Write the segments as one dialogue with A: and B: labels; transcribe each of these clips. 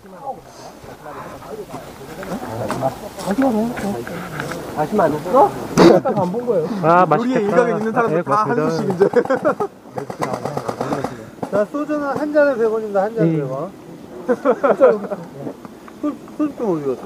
A: 다시마 안 했어? 딱 안 본 거예요.
B: 아, 맛있겠다.
C: 우리의 일각에 있는 사람들 다 한
B: 고맙습니다.
C: 수씩 이제.
A: 자, 소주는 한 잔에 100원입니다. 한 잔에 100원. 술좀 어디 갔어?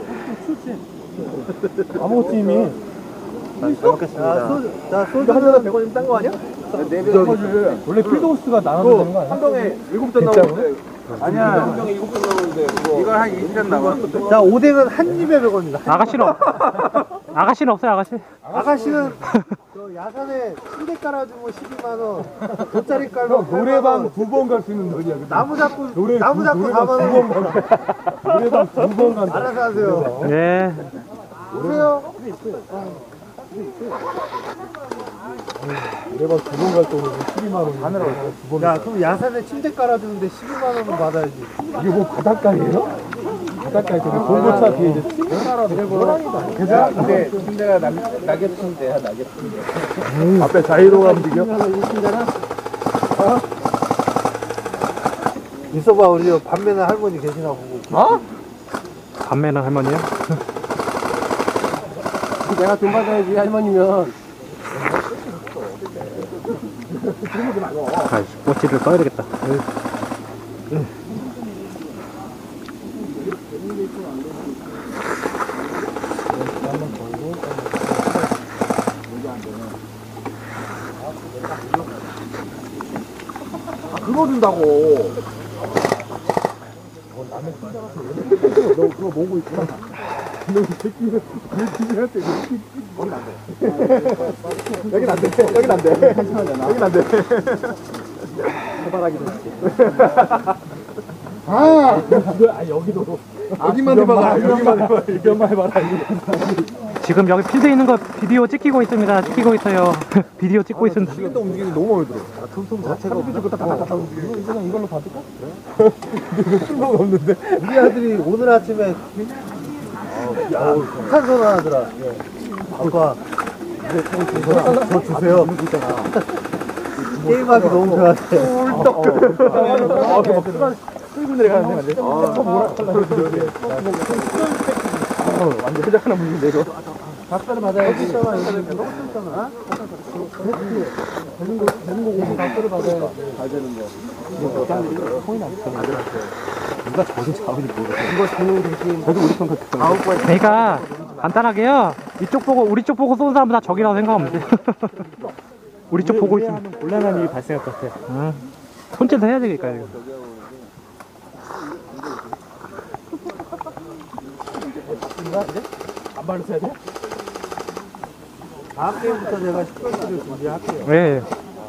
C: 아무것도 이미.
A: 잘 먹겠습니다. 자, 소주 한 잔에 100원이면 딴 거 아니야?
C: 원래 필드호스가 나눠도 되는 거 아니야?
D: 한 병에 7잔 나오는데 아니야 한 병에 7잔 나오는데 이걸 한 20잔 나왔어.
A: 자, 오뎅은 한 입에 100원입니다.
B: 아가씨는 없어요, 아가씨.
A: 아가씨는 저 야산에 침대 깔아주면 12만원, 돗자리 깔면
C: 노래방 2번 갈 수 있는 돈이야.
A: 나무 잡고 4만원.
C: 노래방 2번 간다.
A: 알아서 하세요.
B: 예.
A: 오세요.
C: 노래방 2번 갈 돈은 12만원. 하늘에
A: 야, 그럼 야산에 침대 깔아주는데 12만원은 받아야지.
C: 이게 뭐 바닷가예요? 바닷가에 공고차 뒤에 이제 침대라도 호랑이다. 그죠?
D: 근데 침대가 낙엽 침대야 낙엽 침대.
C: 앞에 자이로가 움직여?
A: 있어봐, 우리 밤매는 할머니 계시나 보고.
B: 밤매는 할머니요?
D: 내가 돈 받아야지 할머니면.
B: 아이씨, 꼬치를 써야 되겠다.
D: 그거 준다고.
C: 너 그거 보고 있구나. 너이 새끼는 내 집이한테 여긴 안 돼. 여긴 안 돼. 여긴 안 돼. 해바라기도 여기도.
D: 여기만 해봐라. 여기만 해봐라.
C: 여기만 해봐라.
B: 지금 여기 필드에 있는 거 비디오 찍히고 있습니다. 찍히고 있어요. 비디오 찍고 있습니다.
C: 시간도 움직이는 게 너무 마음에 들어.
A: 틈틈 자체가
C: 이거는 이걸로 받을까? 근데 쓸모가 없는데.
A: 우리 아들이 오늘 아침에 탄소 나하더라. 아빠, 저 주세요. 게임하기 너무 좋아하대.
C: 끌고 내려가는데 완전 회장 하나 물린데 이거.
A: 박수를 받아야지. 박수를 받아야
C: 누가 저를 잡은지 모르겠어. 이거 주는 대신 저도 우리 편 같아.
B: 그러니까 간단하게요. 우리 쪽 보고 쏘는 사람은 다 적이라고 생각하면 돼. 우리 쪽 보고 있으면
C: 곤란한 일이 발생할 것 같아.
B: 손짓을 해야 되니까 이거.
C: 안 바르셔야 돼?
A: 다음 게임부터 제가 10번째를 준비할게요.
B: 예.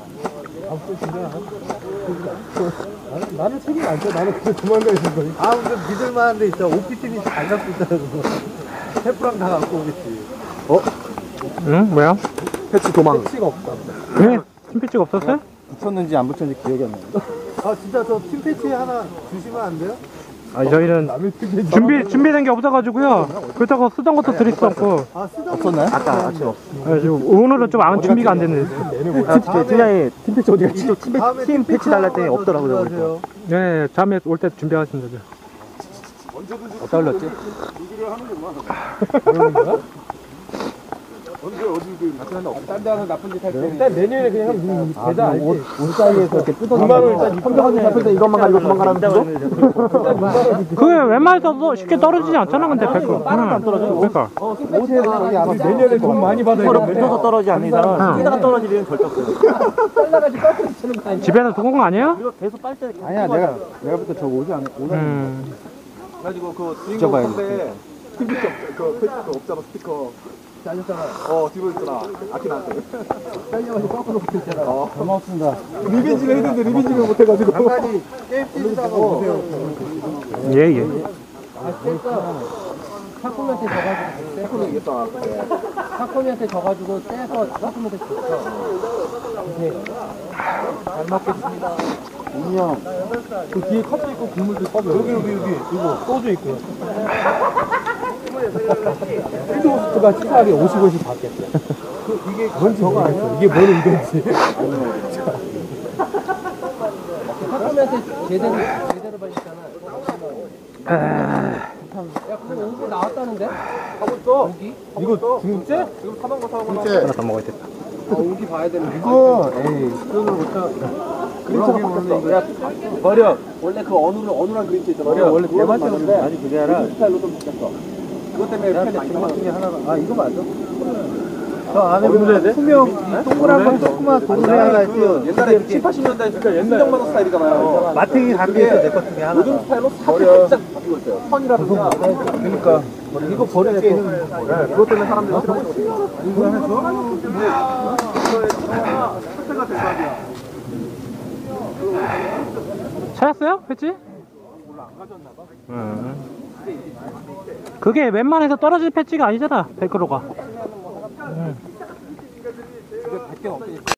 C: 나는 책임 안 져. 나는 그냥 도망가 있는 거니.
A: 아, 근데 믿을만한 데 있다. OP팀이 잘 갖고 있다고. 셰프랑 다 갖고 오겠지.
B: 응? 뭐야?
C: 패치 도망. 패치가 없다.
B: 왜? 팀피치가 없었어요?
C: 붙였는지 안 붙였는지 기억이 안 나.
A: 아, 진짜 저 팀패치 하나 주시면 안 돼요?
B: 아, 저희는 준비된 게 없어가지고요. 그렇다고 쓰던 것도 드릴 수 없고.
A: 아, 쓰던
C: 없었나요? 아까 아침 없어.
B: 오늘은 좀 아무 준비가 안 됐네.
C: 팀장이 팀 패치 어디 갔지?
A: 팀 패치 달랄 때 없더라고요.
B: 네, 다음에 올 때 준비하겠습니다.
C: 어디다 흘렸지?
D: 딴 데는 나쁜 짓 할 때.
C: 일단 내년에 그냥 한 계좌 알지?
A: 옷 사이에서 이렇게 뜯어서.
C: 2만원 일단 현명한 잡힐 때 이것만 가지고 도망가라는 거죠?
B: 그게 웬만해서 쉽게 떨어지지 않잖아, 근데 100%. 안 떨어져. 그러니까.
C: 내년에 돈 많이 받아야 돼.
D: 떨어지지 않는 이상은
B: 뛰다가
D: 떨어질 일은 절대 없어요.
B: 집에서 두고 온 거 아니에요?
D: 계속 빨대
C: 아니야, 내가 볼때 저거 오지 않아.
D: 그래가지고 그 주인공 선배 스피커 그 패치 그 없잖아 스피커 잘렸잖아. 뒤로 있잖아. 아키 나한테. 잘려가지고 거꾸로 붙였잖아.
C: 고맙습니다. 리벤지를 했는데 리벤지를 못해가지고.
A: 잠깐이 게임 뛰다가 오세요.
B: 예.
A: 사코미한테 져가지고 사코미한테 져가지고 떼서 사코미한테 줬어. 잘 먹겠습니다.
C: 형, 그 뒤에 컵도 있고 국물도 있고 여기 이거 소주 있고요. 필드호스트가 치사하게 50원씩 받겠대. 이게 뭔지 저거 아니야? 이게 뭔 의도인지.
A: 사코미한테 제대로 받았잖아.
C: 오기 나왔다는데?
D: 하고 있어.
C: 이거 중국제?
D: 지금 사던 거 사온 거
A: 진짜
B: 하나 더 먹어야겠다.
C: 오기 봐야 되는
A: 이거 에이 그거는 못하
D: 그림체가 바뀌었어. 야, 버려. 원래 그 어눌한 그림체 있잖아.
A: 원래
D: 그거는
A: 대만체인데
D: 맞는데
A: 아니 그게 아니라
D: 그 스타일로 좀 바뀌었어. 그것 때문에 팬이 많이
A: 중간 중에
D: 나왔어.
A: 하나가 아 이거 맞아? 저 안에 보면 투명 이 동그란 건 조그만 도로 하나 있어요.
D: 옛날에 7, 80년대 진짜 순정만화 스타일이잖아요.
A: 마탱이 담겨있어 내 것 중에 하나.
D: 요즘 스타일로 살짝 바뀌고 있어요. 선이라든가.
A: 그러니까 이거 버릴게.
D: 그것 때문에 사람들이 싫어하는 거죠.
A: 이거 해서
D: 근데 이거의 상태가 될 거 아니야.
B: 찾았어요? 했지? 그게 웬만해서 떨어질 패치가 아니잖아, 벨크로가.
C: 게 100개 넘게 있어.